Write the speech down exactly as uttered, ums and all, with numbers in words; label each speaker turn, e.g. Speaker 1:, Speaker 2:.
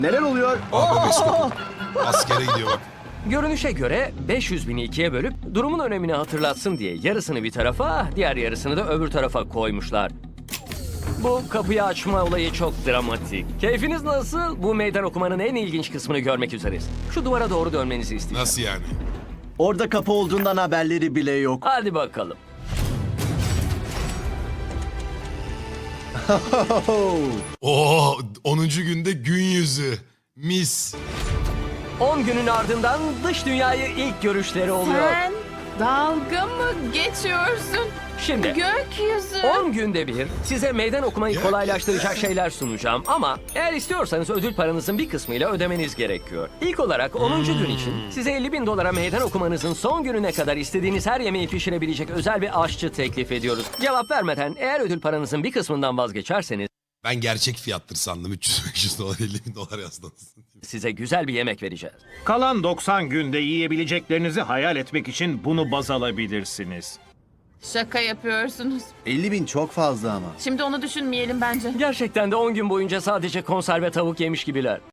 Speaker 1: Neler oluyor?
Speaker 2: Aa, bebek kapı. Askere gidiyor bak.
Speaker 3: Görünüşe göre beş yüz bini ikiye bölüp durumun önemini hatırlatsın diye yarısını bir tarafa, diğer yarısını da öbür tarafa koymuşlar. Bu kapıyı açma olayı çok dramatik. Keyfiniz nasıl? Bu meydan okumanın en ilginç kısmını görmek üzereyiz. Şu duvara doğru dönmenizi isteyeceğim.
Speaker 2: Nasıl yani?
Speaker 1: Orada kapı olduğundan haberleri bile yok.
Speaker 3: Hadi bakalım.
Speaker 2: Oo, onuncu günde gün yüzü. Mis.
Speaker 3: on günün ardından dış dünyayı ilk görüşleri oluyor.
Speaker 4: Sen dalga mı geçiyorsun?
Speaker 3: Şimdi
Speaker 4: Gökyüzü.
Speaker 3: on günde bir size meydan okumayı
Speaker 2: Ya.
Speaker 3: kolaylaştıracak şeyler sunacağım ama eğer istiyorsanız ödül paranızın bir kısmıyla ödemeniz gerekiyor. İlk olarak onuncu gün için size elli bin dolara meydan okumanızın son gününe kadar istediğiniz her yemeği pişirebilecek özel bir aşçı teklif ediyoruz. Cevap vermeden eğer ödül paranızın bir kısmından vazgeçerseniz
Speaker 2: Ben gerçek fiyattır sandım. üç yüz beş yüz dolar elli bin dolar yazdınız.
Speaker 3: size güzel bir yemek vereceğiz.
Speaker 5: Kalan doksan günde yiyebileceklerinizi hayal etmek için bunu baz alabilirsiniz.
Speaker 4: Şaka yapıyorsunuz.
Speaker 1: elli bin çok fazla ama.
Speaker 4: Şimdi onu düşünmeyelim bence.
Speaker 3: Gerçekten de on gün boyunca sadece konserve tavuk yemiş gibiler.